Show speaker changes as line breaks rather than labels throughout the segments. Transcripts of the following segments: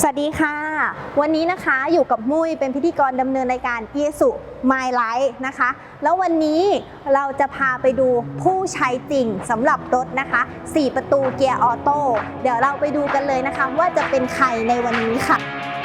สวัสดีค่ะวันนี้นะคะอยู่กับมุ้ยเป็นพิธีกรดำเนินรายการ Isuzu My Life นะคะแล้ววันนี้เราจะพาไปดูผู้ใช้จริงสำหรับรถนะคะ4ประตูเกียร์ออโต้เดี๋ยวเราไปดูกันเลยนะคะว่าจะเป็นใครในวันนี้ค่ะ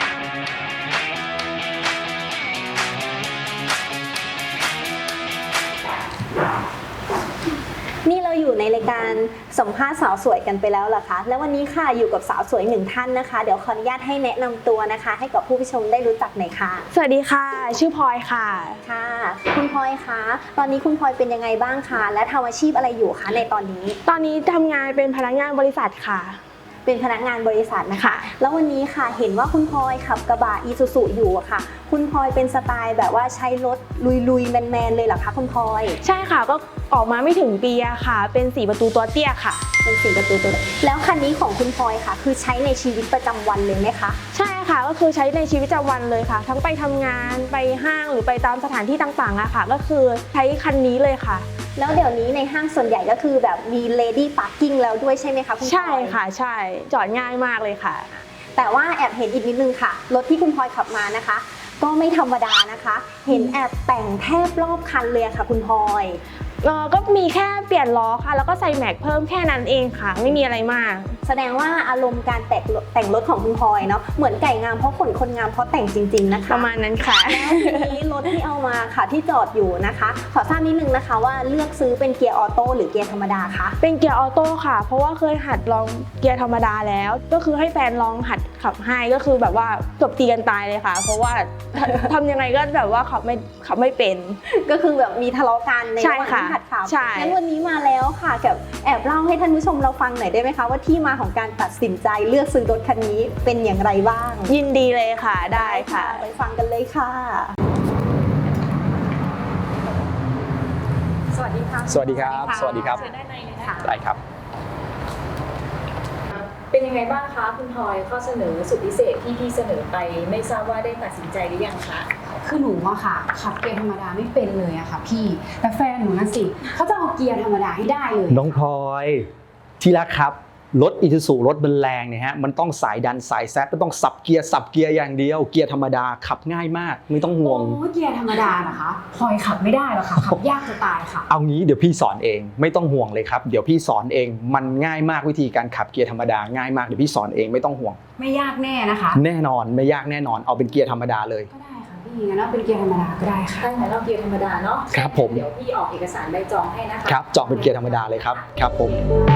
นี่เราอยู่ในรายการสัมภาษณ์สาวสวยกันไปแล้วเหรอคะแล้ววันนี้ค่ะอยู่กับสาวสวยหนึ่งท่านนะคะเดี๋ยวขออนุญาตให้แนะนำตัวนะคะให้กับผู้ชมได้รู้จักหน่อยค่ะ
สวัสดีค่ะชื่อพลอยค่ะ
ค่ะคุณพลอยคะตอนนี้คุณพลอยเป็นยังไงบ้างคะและทำอาชีพอะไรอยู่คะในตอนนี้
ตอนนี้ทำงานเป็นพนักงานบริษัทค่ะ
เป็นพนักงานบริษัทนะคะแล้ววันนี้ค่ะเห็นว่าคุณพลอยขับกระบะอีซูซูอยู่อะค่ะคุณพลอยเป็นสไตล์แบบว่าใช้รถลุยๆแมนๆเลยเหรอคะคุณพลอย
ใช่ค่ะก็ออกมาไม่ถึงปีอะค่ะเป็น4ประตูตัวเตี้ยค่ะ
เป็น4ประตูตัวแล้วคันนี้ของคุณพลอยค่ะคือใช้ในชีวิตประจำวันเลยไหมคะ
ใช่ค่ะก็คือใช้ในชีวิตประจำวันเลยค่ะทั้งไปทำงานไปห้างหรือไปตามสถานที่ต่างๆอะค่ะก็คือใช้คันนี้เลยค่ะ
แล้วเดี๋ยวนี้ในห้างส่วนใหญ่ก็คือแบบมี Lady Parking แล้วด้วยใช่ไหมคะคุณพลอย
ใช่ค่ะใช่จอดง่ายมากเลยค่ะ
แต่ว่าแอบเห็นอีกนิดนึงค่ะรถที่คุณพลอยขับมานะคะก็ไม่ธรรมดานะคะเห็นแอบแต่งแทบรอบคันเลยค่ะคุณพลอย
ก็มีแค่เปลี่ยนล้อค่ะแล้วก็ใส่แม็กเพิ่มแค่นั้นเองค่ะไม่มีอะไรมาก
แสดงว่าอารมณ์การแต่งรถของคุณพลอยเนาะเหมือนไก่งามเพราะขนคนงามเพราะแต่งจริงๆนะคะ
ประมาณนั้นค่ะ
แล้วทีนี้รถที่เอามาค่ะที่จอดอยู่นะคะขอทราบนิดนึงนะคะว่าเลือกซื้อเป็นเกียร์ออโต้หรือเกียร์ธรรมดาคะ
เป็นเกียร์ออโต้ค่ะเพราะว่าเคยหัดลองเกียร์ธรรมดาแล้วก็คือให้แฟนลองหัดขับให้ก็คือแบบว่าจบตีกันตายเลยค่ะเพราะว่าทำยังไงก็แบบว่าขับไม่เป็น
ก็คือแบบมีทะเลาะกันในวันที่หัดขับงั้นวันนี้มาแล้วค่ะกับแอบเล่าให้ท่านผู้ชมเราฟังหน่อยได้ไหมคะว่าที่มาของการตัดสินใจเลือกซื้อรถคันนี้เป็นอย่างไรบ้าง
ยินดีเลยค่ะได้ค่ะ
ไปฟังกันเลยค่ะสวัสดีค่ะ
สวัสดีครับสวัสดีครับ
ได้ไหมคะ
ได้ครับ
เป็นยังไงบ้างคะคุณพลอยข้อเสนอสุดพิเศษที่พี่เสนอไปไม่ทราบว่าได้ตัดสินใจหรือยังคะ
คือหนูอะค่ะขับเกียร์ธรรมดาไม่เป็นเลยอะค่ะพี่แต่แฟนหนูนะสิเขาจะเอาเกียร์ธรรมดาให้ได้เลย
น้องพลอยที่รักครับรถอีซูซูรถมันแรงเนี่ยฮะมันต้องสายดันสายแซดมันต้องสับเกียร์อย่างเดียวเกียร์ธรรมดาขับง่ายมากไม่ต้องห่วง
โอ้เกียร์ธรรมดานะคะพลอยขับไม่ได้หรอกค่ะขับยากจะตายค่ะ
เอางี้เดี๋ยวพี่สอนเองไม่ต้องห่วงเลยครับเดี๋ยวพี่สอนเองมันง่ายมากวิธีการขับเกียร์ธรรมดาง่ายมากเดี๋ยวพี่สอนเองไม่ต้องห่วง
ไม่ยากแน่นะคะ
แน่นอนไม่ยากแน่นอนเอาเป็นเกียร์ธรรมดาเลย
ก็ได้ค่ะพี่งั้นเราเป็นเกียร์ธรรมดาก็ได้ค่ะ
ได้ค่ะเราเกียร์ธรรมดาเนาะ
ครับผม
เดี๋ยวพี่ออกเอกสารใบจองให้นะคะ
ครับจองเป็นเกียร์ธรรมดาเลยครับครับผม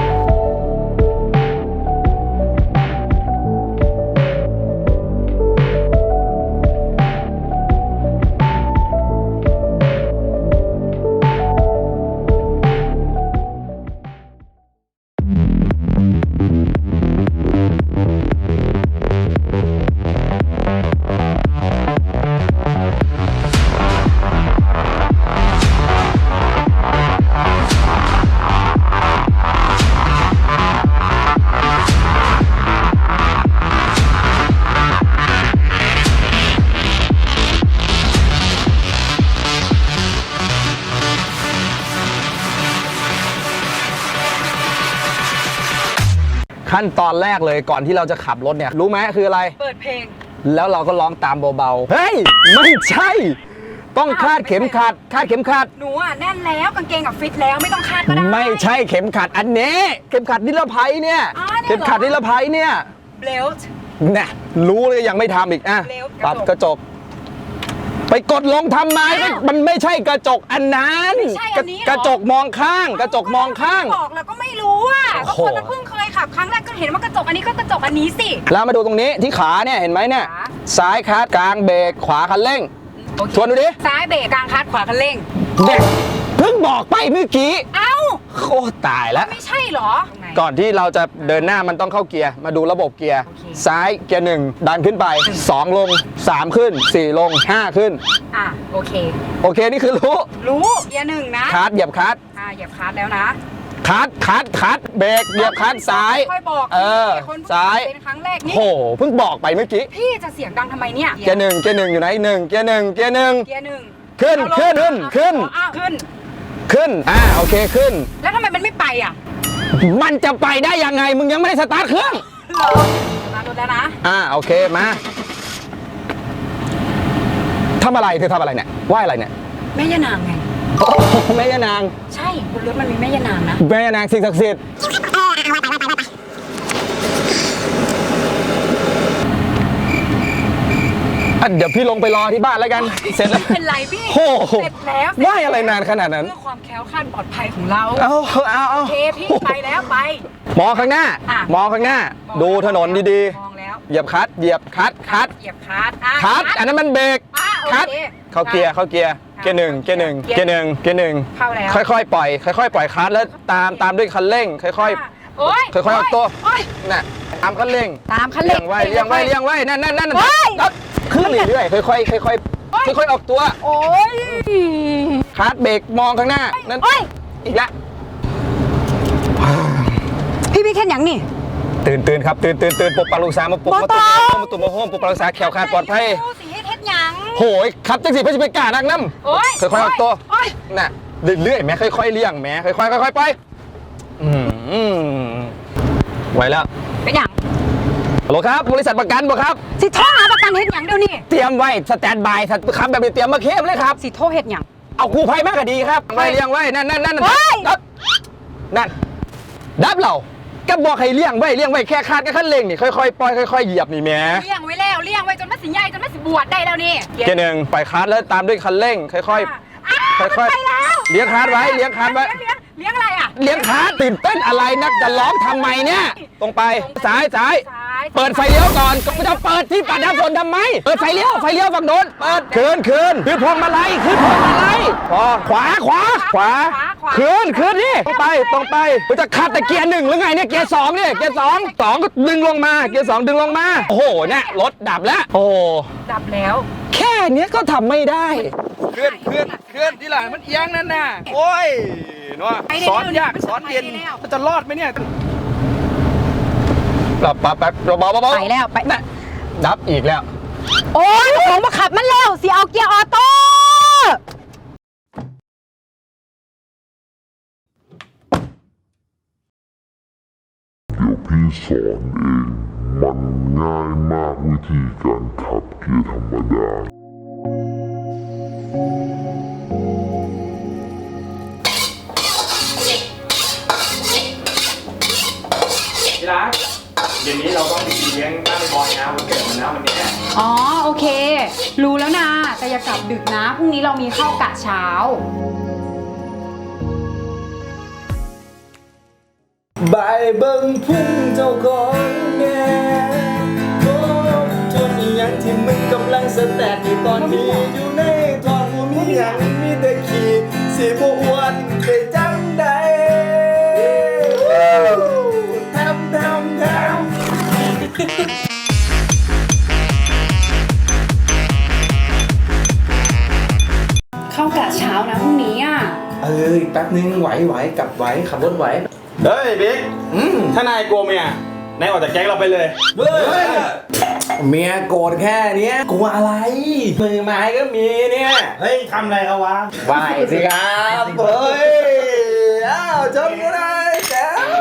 ขั้นตอนแรกเลยก่อนที่เราจะขับรถเนี่ยรู้ไหมคืออะไร
เปิดเพลง
แล้วเราก็ร้องตามเบาๆเฮ้ยไม่ใช่ต้องคาดเข็มขัด
หนูอะแน่นแล้วกางเกงกับฟิตแล้วไม่ต้องคาดก็ได้
ไม่ใช่เข็มขัดอันนี้เข็มขัดนิรภัยเนี่ยเข็มขัดนิรภัยเนี่ย
เบลต์
เนี่ยรู้เลยยังไม่ทำอีกอ่ะปรับกระจกไปกดลงทำไมมันไม่ใช่กระจกอันนั้นกระจกมองข้างกระจกมองข้าง
บอกแล้วก็ไม่รู้อ่ะก็คนเพิ่งเคยขับครั้งแรกก็เห็นว่ากระจกอันนี้ก็กระจกอันนี้สิ
แล้วมาดูตรงนี้ที่ขาเนี่ยเห็นไหมเนี่ยซ้ายคลัตช์กลางเบรกขวาคันเร่งชวนดูดิ
ซ้ายเบรกกลางคลัตช์ขวาคันเร่ง
เด็กเพิ่งบอกไปเมื่อกี้
เอ้า
โคตรตายแล้ว
ไม่ใช่หรอ
ก่อนที่เราจะเดินหน้ามันต้องเข้าเกียร์มาดูระบบเกียร์ซ้ายเกียร์1ดันขึ้นไป2ลง3ขึ้น4ลง5ขึ้น
โอเค
นี่คือรู้
เกียร์1นะ
คลัตช์เหยียบคลัตช์
เหยียบคลัตช์แล้วนะ
คลัตช์เบรกเหยียบคลัตช์ซ้าย
ค่อยบอก
ซ้าย
เป็นครั้งแรกนี่
โหเพิ่งบอกไปเมื่อกี้
พี่จะเสียงดังทำไมเนี่ย
เกียร์1อยู่ไหน1เกียร์1ขึ้นโอเคขึ้น
แล้วทำไมมันไม่ไปอ่ะ
มันจะไปได้ยังไงมึงยังไม่ได้สตาร์ทเครื่อง
สตาร์ทรถถแล้วนะ
โอเคมาทำอะไรเธอทำอะไรเนี่ยไหว้อะไรเนี่ย
แม่ย่านางไง
โอ้โหแม่ย่านาง
ใช่บนรถมันมีแม่ย่านางนะ
แม่ย่านางสิ่งศักดิ์สิทธิ์เดี๋ยวพี่ลงไปรอที่บ้านแล้วกันเสร็จแล้ว
ไม่เป็นไรพี่
โอ้โห
เสร็จแล้ว
ไหว้อะไรนานขนาดนั้น
เพื่อความแคล้วคลาดปลอดภัยของเรา
เอา
โอเคพี่ไปแล้วไป
มองข้างหน้า
อ่ะ
มองข้างหน้า ดูถนนดี
มองแล้ว
ๆเหยียบคลัตช์เหยียบคลัตช์คลัตช์
เหยียบคลัตช์
คลัตช์อันนั้นมันเบรก
โอ
คลัตช์
เค
เข้าเกียร์เกียร์หนึ่งเกียร์หนึ่งเกียร์หนึ่งเกียร์หนึ่ง
เข้าแล้ว
ค่อยๆปล่อยค่อยๆปล่อยคลัตช์แล้วตามด้วยคันเร่งค่อย
โอ้ย
ๆค่อยๆออกตัว
โอ้ย
น่ะตามคันเร่ง
ตามคันเร่ง
เลี้ยงไว้นั่นนั่น
โอ้ย
ขึ้นเรื่อยๆค่อยๆออกตัว
โอ้ย
คลัตช์เบรกมองข้างหน้านั่น
โอ้ย
อีกละ
พี่พี่แค่หยังนี่
ตื่นครับตื่นปลุกปลาลูกสาวมาปลุกมาตุ่มมาโฮมปลุกปลาลูกสาวแขวขาดปลอดภัย
สีเฮ็ดหยัง
โหยครับจังสิเพื่อจะไปกล้านักน้
โอ้ย
ำค่อยๆออกตัว
โอ้ย
น่ะเรื่อยๆแม่ค่อยๆเลี้ยงแม่ค่อยๆไปไหวแล้ว
เป็นหยัง
ฮัลโหลครับบริษัทประกันบ่ครับ
สิโทรหาประกันเฮ็ดหยังเดี๋ยวนี้
เตรียมไว้สแตนด์บายครับแบบนี้เตรียมมาเข้มเลยครับ
สิโทรเฮ็ดหยัง
เอากู้ภัยมากก็ดีครับไว้เลี้ยงไว้นั่น
โอ้ย
นั่นดับเราก็บอกให้เลี้ยงไว้แค่คาดก็ขั้นเร่งนี่ค่อยๆปล่อยค่อยๆเหยียบนี่แม่
เลี้ยงไว้แล้วเลี้ยงไว้จนมันสิใหญ่จนมันสิบวชได้แล้วนี่
เกียร์หนึ่งปล่อยคาดแล้วตามด้วยคันเร่งค่อยๆ
ไปแล้ว
เลี้ยงคาดไว้เลี้ยงคาดไว้
เลี้ยงอะไรอ่ะ
เลี้ยงคาดตื่นเต้นอะไรนักจะร้องทำไมเนี่ยตรงไปซ้ายเปิดไฟเลี้ยวก่อนก็ไม่ต้องเปิดที่ปัดน้ำฝนทำไมเปิดไฟเลี้ยวฝั่งโน้นเปิดคืนขึ้นพวงมาลัยพอขวาคืนนี่ตรงไปมันจะขับแต่เกียร์หนึ่งหรือไงเนี่ยเกียร์สองเนี่ยเกียร์สองก็ดึงลงมาเกียร์สองดึงลงมาโอ้โหเนี่ยรถดับแล้วโอ้
ดับแล้ว
แค่เนี้ยก็ทำไม่ได้เคลื่อนที่หลังมันเอียงนั่นน่ะโอ้ยเนาะสอนยากสอนเย็นมันจะรอดไหมเนี่ยแป๊บเบา
ไปแล้วไป
น่ะดับอีกแล้ว
โอ้ยของมาขับมันแล้วสิเอาเกียร์ออโต้
เดี๋ยวพี่สอนเอง มันง่ายมากวิธีการขับเกียร์ธรรมดา
ที่รักเดี๋ยวนี้เราต้องไปเลี้ยงบ้านบอยนะวันเกิดมันนะวันนี้
อ๋อโอเค รู้แล้วนะแต่อย่ากลับดึกนะพรุ่งนี้เรามีเข้ากะเช้า
บายเบิ่งพุ่งเจ้าของแม่โอ้จนอีหยังที่มึงกำลังสแตทอยู่ตอนนี้อยู่ในท้องบ่มีหยังมีแต่ขี้สิบ่อ้วนได้จังใดทำ
เข้ากะเช้านะพรุ่งนี้อ่ะ
อีกแป๊บนึงไหวกลับไหวขับรถไหว
เฮ้ยบิ๊กถ้านายกลัวเมียนายออกจากแก๊งเราไปเลย
เฮ้ยเมียโกรธแค่เนี้ยกลัวอะไร มือไม้ก็มีเนี่ย
เฮ้ยทำอะไรเขาวะ
ไหวสิครับเฮ้ยอ้าวชนก็ได้แจ๋ว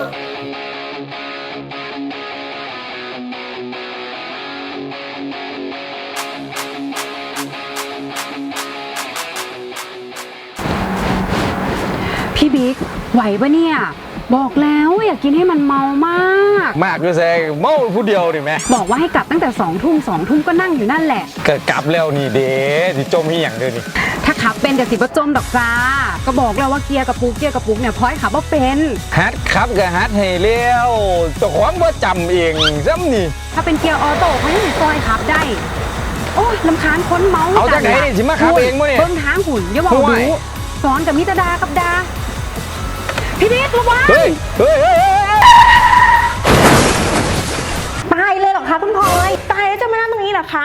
พี่บิ๊กไหวปะเนี่ยบอกแล้วอยากกินให้มันเมามาก
มากด้วยแซงเมาผู้เดียวนี่แม่
บอกว่าให้กลับตั้งแต่2 ทุ่มก็นั่งอยู่นั่นแหละ
เกิดกลับแล้วนี่เด้ที่จมที่อย่างเดียวนี่
ถ้าขับเป็นกับสิบจมดอกจ้าก็บอกแล้วว่าเกียร์กับปุกเนี่ยพลอยขับว่าเป็น
ฮัดครับกับฮัดให้เลี้ยวเจ้าของว่าจำเองซ้ำนี่
ถ้าเป็นเกียร์ออโต้เขายังซอยขับได้ โอ้ยลำคาญคนเมา
เอาจากไหนนี่สิมาขับเองมั้ยเนี่ย
เบิ้งทางหุ่นอย่าบอก
ห่วย
ดูสอนกับมิตรดากับดาพี่บิ๊กระวัง
เฮ้ย
ตายเลยเหรอคะคุณพลอยตายแล้วจะมานั่งตรงนี้เหรอคะ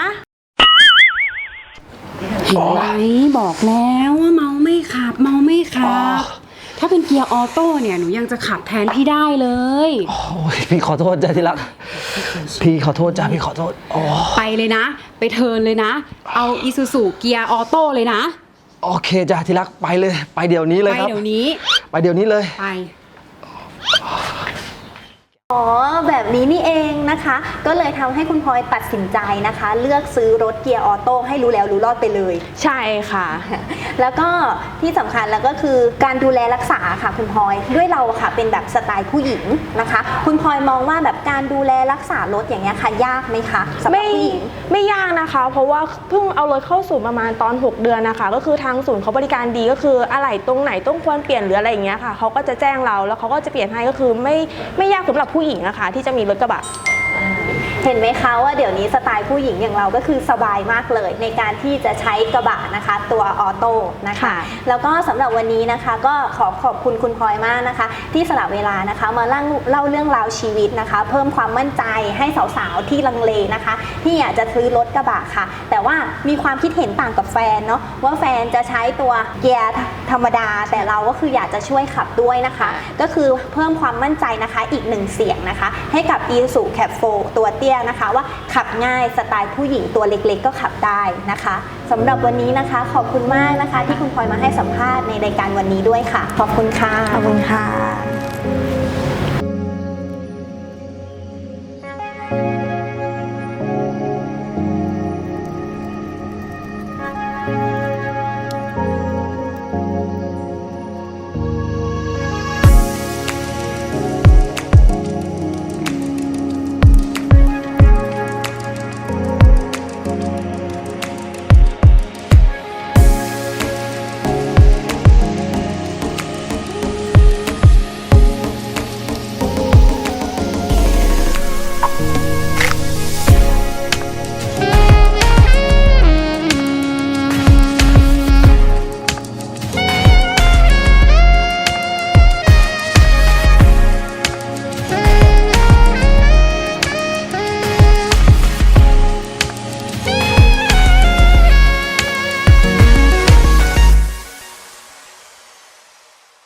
เห็นไหมบอกแล้วว่าเมาไม่ขับ ถ้าเป็นเกียร์ออโต้เนี่ยหนูยังจะขับแทนพี่ได้เลย
โอ้ยพี่ขอโทษจ้าที่รักพี่ขอโทษจ้าพี่ขอโทษโอ้
ไปเลยนะ ไปเทิร์นเลยนะ เอาอีซูซูเกียร์ออโต้เลยนะ
โอเคจ้าที่รักไปเลยไปเดี๋ยวนี้เลย
ไป
ครับ
เดี๋ยวนี้
ไปเดี๋ยวนี้เลย
ไป
อ๋อแบบนี้นี่เองนะคะ ก็เลยทำให้คุณพลอยตัดสินใจนะคะ เลือกซื้อรถเกียร์ออโต้ให้รู้แล้วรู้รอดไปเลย
ใช่ค่ะ
แล้วก็ที่สำคัญแล้วก็คือการดูแลรักษาค่ะคุณพลอยด้วยเราค่ะเป็นแบบสไตล์ผู้หญิงนะคะ คุณพลอยมองว่าแบบการดูแลรักษารถอย่างเงี้ยค่ะยากไหมคะสำหรับผู้หญิง
ไม่ยากนะคะ เพราะว่าเพิ่งเอารถเข้าศูนย์ประมาณตอน 6 เดือนนะคะ ก็คือทางศูนย์เขาบริการดีก็คืออะไหล่ตรงไหนต้องควรเปลี่ยนหรืออะไรอย่างเงี้ยค่ะเขาก็จะแจ้งเราแล้วเขาก็จะเปลี่ยนให้ก็คือไม่ยากสำหรับผู้หญิงนะคะที่จะมีรถกระบะ
เห็นไหมคะว่าเดี๋ยวนี้สไตล์ผู้หญิงอย่างเราก็คือสบายมากเลยในการที่จะใช้กระบะนะคะตัวออโต้นะคะ
ค่ะ
แล้วก็สำหรับวันนี้นะคะก็ขอบคุณคุณพลอยมากนะคะ ที่สละเวลานะคะมาเล่าเรื่องราวชีวิตนะคะ เพิ่มความมั่นใจให้สาวๆที่ลังเลนะคะ ที่อยากจะซื้อรถกระบะค่ะ แต่ว่ามีความคิดเห็นต่างกับแฟนเนาะว่าแฟนจะใช้ตัวเกียร์ธรรมดา แต่เราก็คืออยากจะช่วยขับด้วยนะคะ ก็คือเพิ่มความมั่นใจนะคะอีกหนึ่งเสียงนะคะให้กับ Isuzu Cap 4 ตัวเตี้ยนะคะว่าขับง่ายสไตล์ผู้หญิงตัวเล็กๆก็ขับได้นะคะสำหรับวันนี้นะคะขอบคุณมากนะคะที่คุณพลอยมาให้สัมภาษณ์ในรายการวันนี้ด้วยค่ะขอบคุณค่ะ
ขอบคุณค่ะ